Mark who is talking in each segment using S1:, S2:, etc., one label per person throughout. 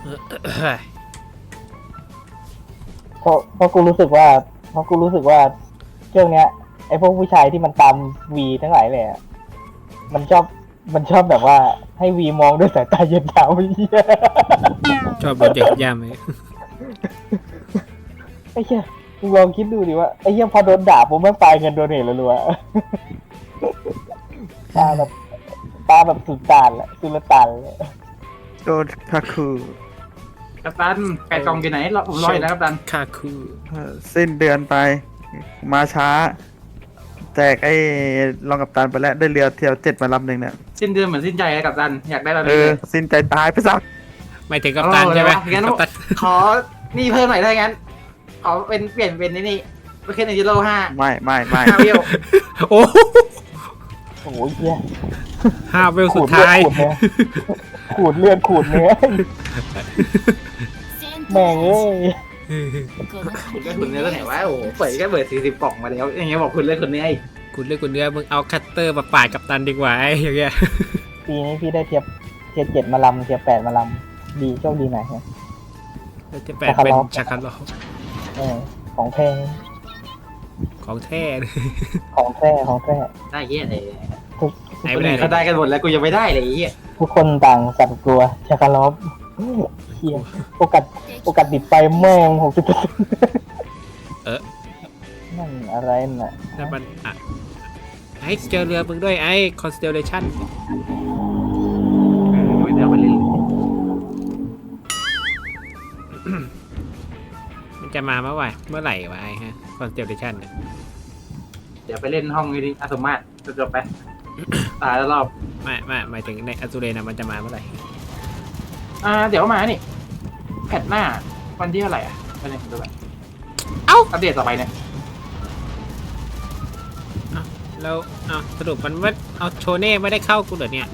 S1: เพราะกูรู้สึกว่าช่วงเนี้ยไอ้พวกผู้ชายที่มันตามวีทั้งหลายเลยอะมันชอบแบบว่าให้วีมองด้วยสายตาเย็นชาไอ้เหี้ย
S2: ชอบโดนเด็กย่ำไหม
S1: ไอ้เหี้ยมึงลองคิดดูดิว่าไอ้เหี้ยพอโดนด่าผมไม่ปลายเงินโดนเหตุรัวๆตาแบบสุดตานแหละสุลต่านเลย
S3: โดนคาคู
S4: กัปตันไก่กล่องอยู่ไหนผมรออยู่นะกัปตัน
S2: คาคู
S3: สิ้นเดือนไป มาช้าแจกไอ้รองกัปตันไปแล้วได้เรือเที่ยว7มาลำหนึ่งเนี่ย
S4: สิ้นเดือนเหมือนสิ้นใจเลยกัปตันอยากได้ตอน
S3: เอ
S4: นี้
S3: อ
S4: เลย
S3: สิ้นใจตายไปซะ
S2: ไม่ถึงกัปตันใช่ไหม
S4: งั้น
S2: กัปตัน
S4: ขอนี่เพิ่มหน่อยได้งั้นขอเปลี่ยนเป็นนี่ไม่ขึ้นในยูโร5 5วิว
S2: โอ้
S1: โอ้ยเหี้ย
S2: 5 เวลสุดท้าย
S1: ขูดเลือดขูดเนื้อแม่งเอ้ย
S4: คุณได้คุณเนื้อตัวไหนวะโอ้โหเปิดแค่เปิด40 กล่องมาแล้วอย่างเงี้ยบอกคุณเลือกคนนี้ไอ้
S2: คุณเลือกคุณเนื้อมึงเอาคัตเตอร์มาปาดกัปตันดีกว่าไอ้อย่างเงี้ย
S1: ปีนี้พี่ได้เทียบ7มาลำเทียบ8มาลำดีโชคดีหน่อยฮะ
S2: แล้วจะแปลงเป็นชาคาร์ล
S1: ของแท้
S2: ของแท้เลย
S1: ของแท้
S4: ได้เหี้ยเลย
S2: ไหน
S4: คน
S2: ไม่ได้
S4: อื่นเขาได้กันหมดแล้วกูยังไม่ได้เลยไอ้เหี้ย
S1: ทุกคนต่างสั่นกลัวชาคาลอฟเฮียโอกาสติดไฟแม่ง60%นั่นอะไรน่ะ
S2: นั่นมันอ่ะไอ้เจอเรือมึงด้วยไอ้คอนสเตลเลชัน
S4: เดี๋ยวไปเล่น
S2: มันจะมาเมื่อไหร่วะไอ้ฮะคอนสเตลเลชันเนี่ย
S4: เดี๋ยวไปเล่นห้องนี้ดิอาสมาตจบไปตายแล้วรอบ
S2: ไม่หมายถึงในอซูเรนะมันจะมาเมื่อไหร่
S4: เดี๋ยวมานี่แพทหน้าวันที่เท่าไหร่วันนี้ผมดูแบบ
S2: เอ้า
S4: อัปเดตต่อไปเนี่ย
S2: แล้วเอาสรุปมันว่าเอาโชเน่ไม่ได้เข้ากูเหรอเนี่ย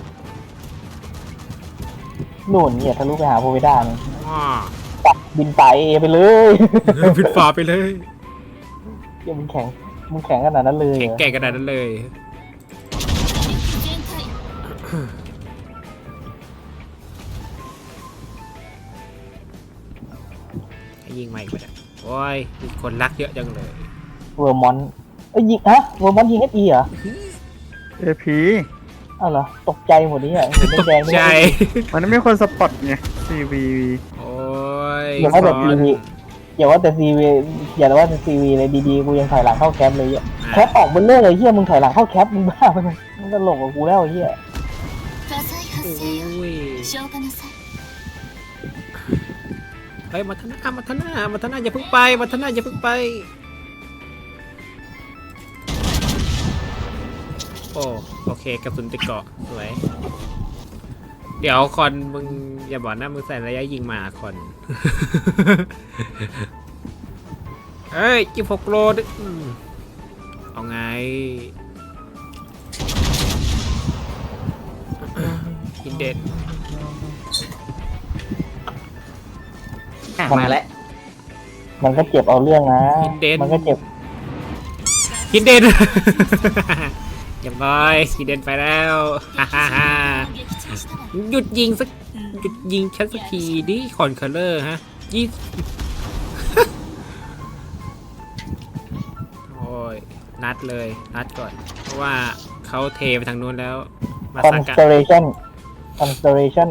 S1: หนุนเนี่ยทะลุไปหาโพเวด้าเนี่ย
S2: อ๋อ
S1: ปักบินไปไปเลย
S2: ผิดฝาไปเลย
S1: เฮียมึงแข็งขนาดนั้นเลย
S2: แข็งแกร่งขนาดนั้นเลยให้ยิงใหม่ไปเลยโอ้ยมีคนรักเยอะจังเลย
S1: เวอร์มอนยิงเวอร์มอนยิงSEเหรอ
S3: เอพี
S1: อ้าวเหรอตกใจหมดนี่อ่ะเห็น
S2: ตก
S1: แดงๆ
S2: ใจ
S3: มันไม่มีคนสปอตไงซีวี
S2: โอ้ย
S1: อย่าว่าแต่ซีวีอย่าว่าแต่ซีวีเลยดีๆกูยังถอยหลังเข้าแคปเลยแคปออกบนเรื่องเลยเฮียมึงถอยหลังเข้าแคปมึงบ้ามึงตลกกับกูแล้วเฮีย
S2: โอ้ยเฮ้ยมาทนาอย่าเพิ่งไปมาทนาอย่าเพิ่งไปโอเคกระสุนติดเกาะสวยเดี๋ยวคอนมึงอย่าบอกนะมึงใส่ระยะยิงมาคอน เฮ้ย16 โลดิเอาไงอินเดน
S4: มาแล้ว
S1: มันก็เจ็บเอาเรื่องนะ มันก็เจ็บ
S2: ฮินเดน อย่างน้อยฮินเดนไปแล้ว หยุดยิงฉันสักทีดิคอนเคอร์เลอร์ฮะโอ้ยนัดก่อน เพราะว่าเขาเทไปทางนู้นแล้วมาสักกะ
S1: constellation
S2: คอนสเตลเลชั่น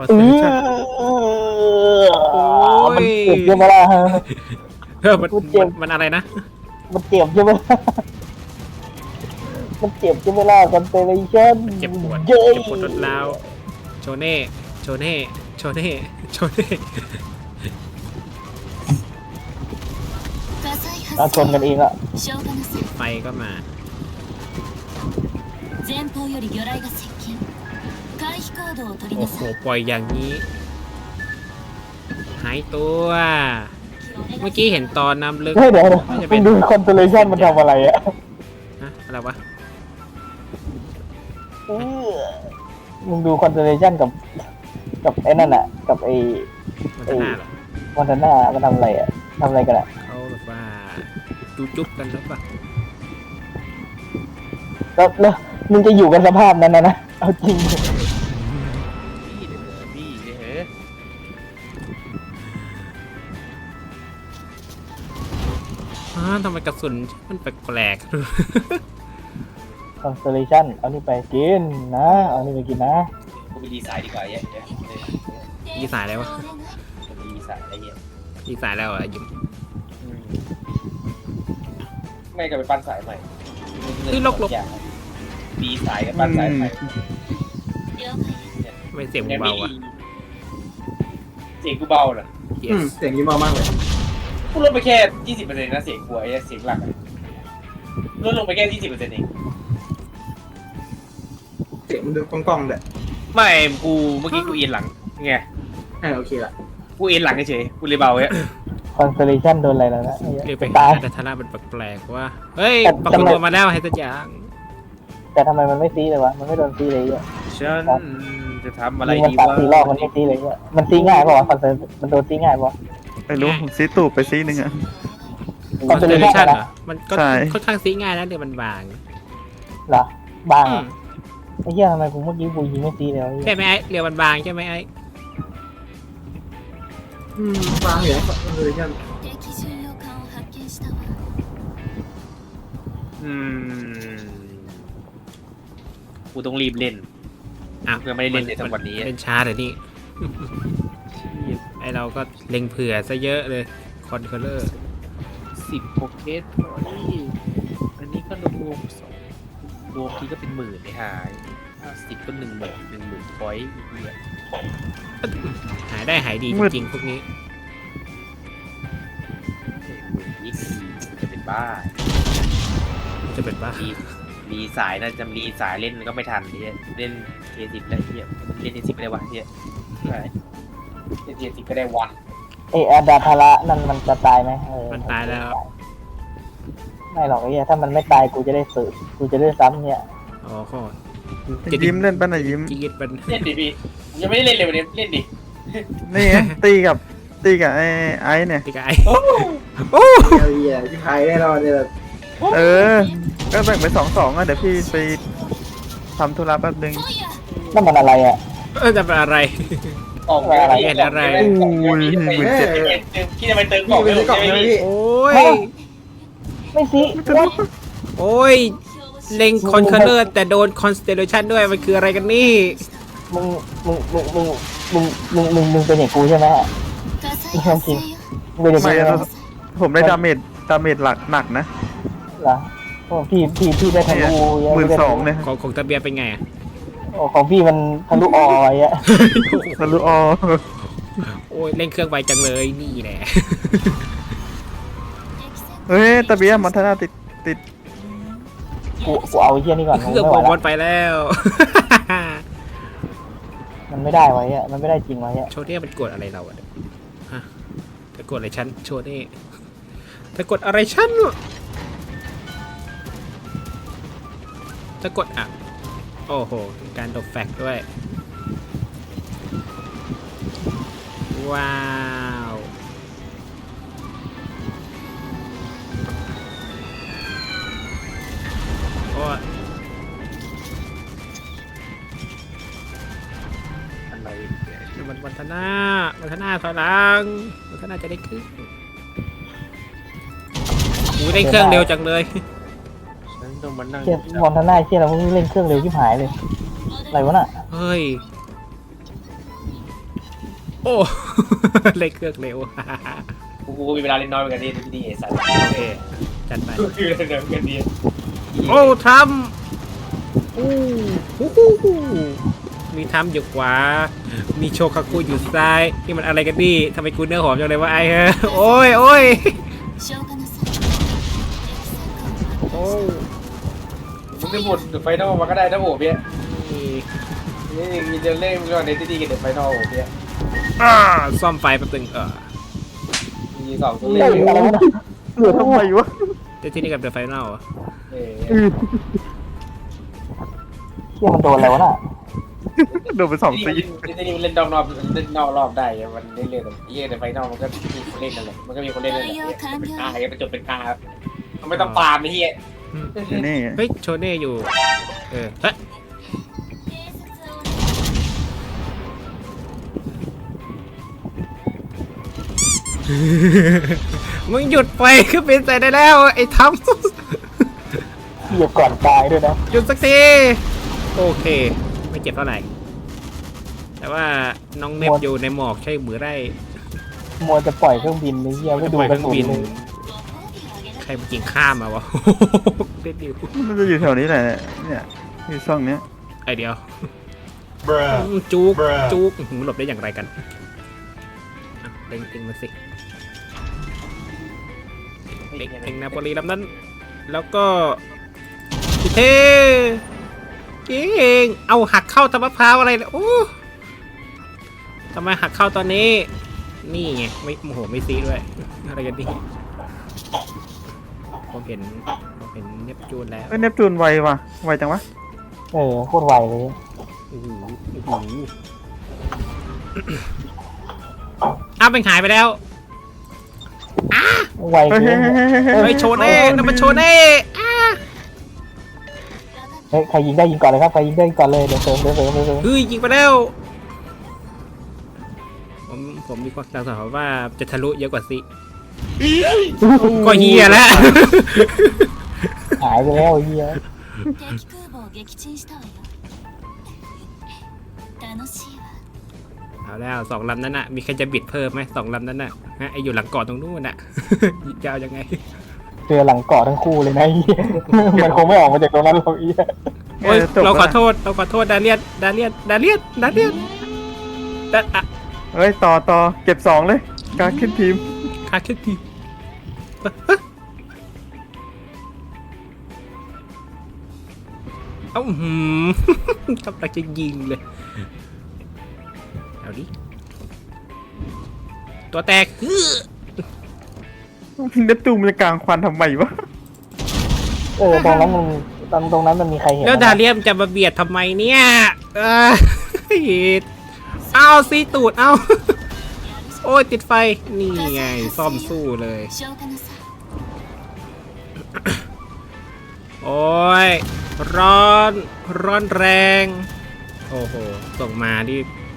S1: มันเจ็บใช่ไหมล่ะ
S2: มันอะไรนะ
S1: มันเจ็บใช่ไหมมันเจ็บใช่ไหมล่ะ constellation
S2: เจ็บปวดรถแล้วโชเน่
S1: เราชนกันเองอะ
S2: ไฟก็มาโอ้โหปล่อยอย่างนี้ หายตัว เมื่อกี้เห็นตอนน้ำลึก
S1: เฮ้ยเดี๋ยวมึงดู constellation มันทำอะไรอะ
S2: นะอะไรวะ
S1: มึงดู constellation กับไอ้นั่นอะกับไอ้
S2: มันจะหน้าเหรอ
S1: มอนทาน่ามันทำอะไรอะทำอะไรกันอะ
S2: เขาแบบว่าจุ๊บกันแล้วปะ
S1: แล้วมึงจะอยู่กันสภาพนั้นนะเอาจริง
S2: ทำไมกระสุนมันแปลก
S1: คอนสเตลเลชันเอานี่ไปกินนะเอานี่ไปกินนะ
S5: กูไปดีสายดีกว่าเยอะ
S2: ๆยีสายแล้ววะ
S5: จะไปดีสายอะไรเงี้ย
S2: ยีสายแล้วอ่ะยิม
S5: ไม่ก็ไปปั้นสายใหม่ดีสายกับปั้นสายใหม่
S2: ไม่เสียงเบาอ่ะ
S5: เสียงกูเบาน่ะ
S2: yes
S4: เสียงยิ้มมากเลย
S5: กูลดไปแค่ 20%นะเสียงกูไอ้เสียงหลักลดลงไปแค่ 20%เอง
S4: เสียงมันดูกล้องๆเลย
S5: ไม่กูเมื่อกี้กูเอียนหลังไง
S4: โอเคละ
S5: กูเอียนหลังเฉยกูเลยเบาเว้ย
S1: คอนสเตลเลชันโดนอะไรแล้วนะ
S2: เรียกไป
S1: ตาย
S2: แต่ทาร่ามันแปลกๆว่าเฮ้ย
S1: แต่
S2: ปรากฏตัวมาแล้วให้สักอย่าง
S1: แต่ทำไมมันไม่ซีเลยวะมันไม่โดนซีเลยอ่ะ
S5: ฉันจะทำอะไร
S1: มัน
S5: ดี
S1: ตัด
S5: วะ
S1: 4 รอบมันไม่ซีเลยอ่ะมันซีง่ายเปล่าวะคอนเตลมันโดนซีง่ายเปล่าวะ
S3: ไม่รู้ผมซีตูบไปซีหนึ่งอะ
S2: คอนสเตลเลชัน
S1: Constellation
S2: เหรอมันก็
S3: ใช่
S2: ค่อนข้างซีง่ายนะเดี๋ยวมันบาง
S1: เหรอบ้าง
S2: อื
S1: อะ
S2: ม
S1: ไอ้เหี้ยทำไมกูเมื่อกี้กูยิงไม่ซีเลยวะ
S2: ใช่ไหมไอ้เรือมันบางใช่ไหมไอ้
S4: ฟังอยู่นะเลยกัน
S5: กูต้องรีบเล่น
S2: อ้าว
S5: ยังไม่ได้เล่นเลยทั้งวันนี้
S2: เล่นช้าเดี๋ยวนี้ ไอเราก็เล็งเผื่อซะเยอะเลยคอนเคอร์เลอร์
S5: 10โปรเกสอันนี้ก็รวมรวมทีก็เป็นหมื่นไม่หาย50ก็10,000พอยต์เนี่ย
S2: หายได้หายดีจริงๆพวกนี้
S5: นี่จะเป็นบ้า
S2: จะเป็นบ้า
S5: รีสายนะจะรีสายเล่นก็ไม่ทันเนี่ยเล่นเทสิบได้เทียเล่นเทสิบก็ได้วันเนี่ยใช่เล่นเทสิบก็ได้วัน
S1: ไอ้อาดาทาระนั่นมันจะตายไหม
S2: มันตายแล้ว
S1: ไม่หรอกไอ้เหี้ยถ้ามันไม่ตายกูจะได้ฝึกกูจะได้ซ้ำเนี่ย
S2: อ๋อโคตร
S3: ยิ้มเล่นปั้นอะยิ้ม
S2: จีดเป็น
S5: เล่นดิพี่ยังไม่ได้เล่นเลยวันนี้เล่นดิ
S3: นี่ไงตีกับไอ้เนี่ย
S2: ตีกาย
S5: โอ้
S2: โอ้
S4: เฮียที่ไทยแน่นอนเนี่ย
S3: เออ ก็แบ่งไป2-2อ่ะเดี๋ยวพี่ไปทำธุระแป๊บนึง
S1: นั่นมันอะไรอ่ะ
S2: จะเป็นอะไร
S5: ออก
S1: อะไร
S2: เห็นอะไร
S5: พี่จะไปเติมกล่อง
S4: พี่
S5: ไม่
S4: ไป
S5: หม
S4: ซื้อกล่อง
S5: ด
S4: ใช่ไหม
S5: ใช่ไหมพี่
S4: พี่
S2: โอ้ย
S1: ไม่ซี
S2: โอ้ย เล็งคอนเคอร์เลอร์แต่โดนคอนสเตลเลชันด้วยมันคืออะไรกันนี่
S1: มึงเป็นอย่างกูใช่ไหมจริงเป็นอย่างกู
S3: ไม่
S1: ใช่ไหม
S3: ผมได้ดาเมจหลักหนักนะ
S1: เหรอโอ้พี่ได้ทะลุ
S3: 12,000เนี่ย
S2: ของตะเบียเป็นไงอะ
S1: โอ้ของพี่มันทะลุออยอ่ะ
S3: ทะลุออ
S2: โอ้ยเล่นเครื่องไวจังเลยนี่แหละ
S3: เฮ้ยตะเบียมันทนาติด
S1: กูเอาไอ้เหี้ยนี่ก่อน
S2: เครื่อง
S1: ไม่
S2: บ
S1: ไหว
S2: อล
S1: ละ
S2: ไปแล้ว
S1: มันไม่ได้ไว้อะมันไม่ได้จริงไว้อะ
S2: โชเน่มันกดอะไรเราอะเนี่ยฮะเธอกดอะไรฉันโชเน่เธอกดอะไรฉันเธอกดอ่ะโอ้โหการดบแฟกด้วยว้าวโอ้ย
S5: อะไร
S2: วันธนาถอยหลังวันธนาจะได้ขึ้นอู้ได้เครื่องเร็วจังเลย
S5: ฉันต้องมานั่ง
S1: เชี่ยมอนทนาเชี่ยเราเพิ่งเล่นเครื่องเร็วชิบหายเลยอะไรวะน่ะ
S2: เฮ้ย โอ้ เล่นเครื่องเร็ว
S5: กูมีเวลาเล่นน้อยเหมือนกันนี่ที่นี่ไอ้สัตว์
S2: โอเค จัดไป
S5: กูคือเดิมกันดี
S2: โอ้ทำอู้หูหูหูมีทำอยู่ขวา มีโชคาคุอยู่ซ้าย นี่มันอะไรกันดิทำไมกูเนื้อหอมจังเลยวะไอ้เฮ้ยโอ้ยโอ้ยโอ้
S5: มึงได้หมดไฟนอลมาก็ได้นะโอ้เบี้ย
S2: นี่
S5: นี่มีเดินเล่นก่อนในที่ดีกับเด็กไฟนอลโอ้เบี้ย
S2: ซ่อมไฟแป๊บนึง
S5: มี2ตัว
S1: เล่
S5: เล่
S1: น
S5: น
S1: อะไรวะน่ะ
S3: เหลือทำไมวะ
S2: เดี๋ยวที่นี่กับเดอะไฟนอล
S1: เชี่ยมันโดนอะไรวะน่ะ
S3: โดนไป2 ซี
S5: ที่นี่เล่นนอกรอบเล่นนอกรอบได้มันเล่นเล่นยี่ในไฟนอลมันก็มีคนเล่นนั่นแหละมันก็มีคนเล่นนั่นแหละเป็นกาไปจบเป็นกาไม่ต้องฟาร์มไอ้เหี้ย
S3: นี่
S2: เฮ้ยโชเน่อยู่เฮ้ยมึงหยุดไปเครื่องบินใส่ได้แล้วไอ้ท
S1: เหยียบก่อนตายด้วยนะ
S2: ำหยุดสักทีโอเค ไม่เจ็บเท่าไหร่แต่ว่าน้องเนบอยู่ในหมอกใช่หรือไร
S1: มัวจะปล่อยเครื่องบินไอ้เหี้ยไม่ดู
S2: ปล่อย
S1: ก
S2: เค
S1: ระ
S2: รื่อง
S1: สุน
S2: บิน
S1: เลย
S2: ใครมากินข้ามมาวะ เด็ดดิว
S3: มันจะอยู่แถวนี้แหละเนี่ยที่ช่องเนี้ย
S2: ไอเดียวจุกจุกหลบได้อย่างไรกันอ่ะเต็งมาสิเต็งนาโปลีลำนั้น แล้วก็เท่เก่งเอาหักเข้าตะมะพร้าวอะไรเนี่ยโอ้ทำไมหักเข้าตอนนี้ นี่ไงไม่โมโหไม่ซีด้วยอะไรกันดิผมเห็นเนปจูนแล้ว
S3: เอ้ยเนปจูนไวว่ะไวจังวะ
S1: โคตรไวเลย
S2: โอ้โหโอ้โหอ้าวเป็นหายไปแล้ว
S1: ไว
S3: เฮ้ย
S1: เกิน
S2: เฮ้ยโชเน่นั่นมันโชเน่อ้า
S1: เฮ้ยใครยิงได้ยิงก่อนเลยครับใครยิงได้ยิงก่อนเลยเดี๋ยวเสริมเดี๋ยวเสริมเดี๋ยวเสริม
S2: เฮ้ยยิงไปแล้ว ผมมีความสังหรณ์ว่าจะทะลุเยอะกว่าสิก็เฮียแล้ว
S1: หายไปแล้วไอ้เหี้ย
S6: 敵空母を撃沈したわよ楽しいわ
S2: เอาแล้วสองลำนั้นน่ะมีใครจะบิดเพิ่มไหมสองลำนั้นน่ะฮะไออยู่หลังเกาะตรงนู้นน่ะ จะเอายังไง
S1: เจอหลังเกาะทั้งคู่เลยนะไอ้เหี้ยมันคงไม่ออกมาจากตรงนั้นหรอกไอ้เหี้ย
S2: โอ้ย
S3: จบ
S2: เราขอ
S3: แล้ว
S2: โทษดาเลียนอ่ะ
S3: เฮ้ยต่อเก็บ2เลยการขึ้นทีม
S2: ขาดขึ้นทีเอ้าหืม กำลังจะยิงเลยเอาดิตัวแตก
S3: เนปจูนมันจะกลางควันทำไมวะ
S1: ตรงนั้นมันมีใครเห็น
S2: แล้วดาเลียมจะมาเบียดทำไมเนี่ยเอาซีตูดเอา โอ้ยติดไฟ นี่ไง ซ่อมสู้เลย
S6: 消化なさい
S2: โอ้ย ร้อนแรง โอ้โห ส่งมาดิ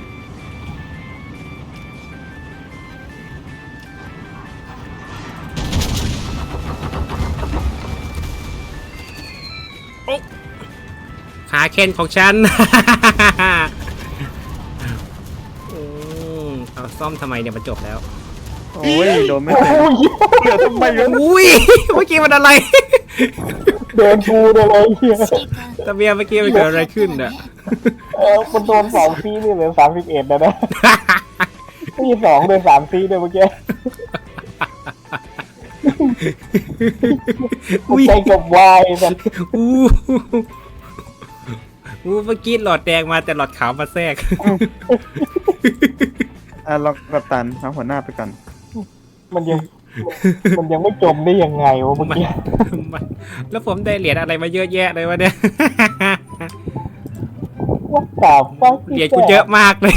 S2: โอ๊ะขาเคนของฉัน เอาซ่อมทำไมเนี่ยมันจบแล้ว
S3: โอ้ยโดนไม่เต็มเหลือทำไมวะ
S2: อุ้ย เมื่อกี้มันอะไร
S1: เดินชูเลยไอ้เหี้ย
S6: 指揮官
S2: ตะเบียเมื่อกี้มันเกิดอะไรขึ้นอ่ะ
S1: มันโดน2ซีนี่เหลือ31แล้วนะมี2โดน3ซีด้วยเมื่อกี้
S2: อุ้ย
S1: ใจกับวายสัน
S2: อู้เมื่อกี้หลอดแดงมาแต่หลอดขาวมาแทรก
S3: ลองกับตันเอาหัวหน้าไปก่อน
S1: มันยังไม่จมได้ยังไงวะเมื่อกี้
S2: แล้วผมได้เหรียญอะไรมาเยอะแยะเลยวะเนี่ย
S1: ว่าสาวฟัก
S2: เหรียญกูเยอะมากเลย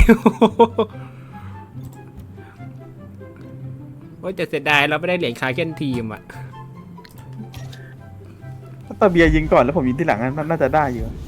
S2: โอ้ยแต่เสียดายเราไม่ได้เหรียญคาเคนทีมอ่ะ
S3: ถ้าตาเบียร์ยิงก่อนแล้วผมยิงที่หลังน่าจะได้อยู่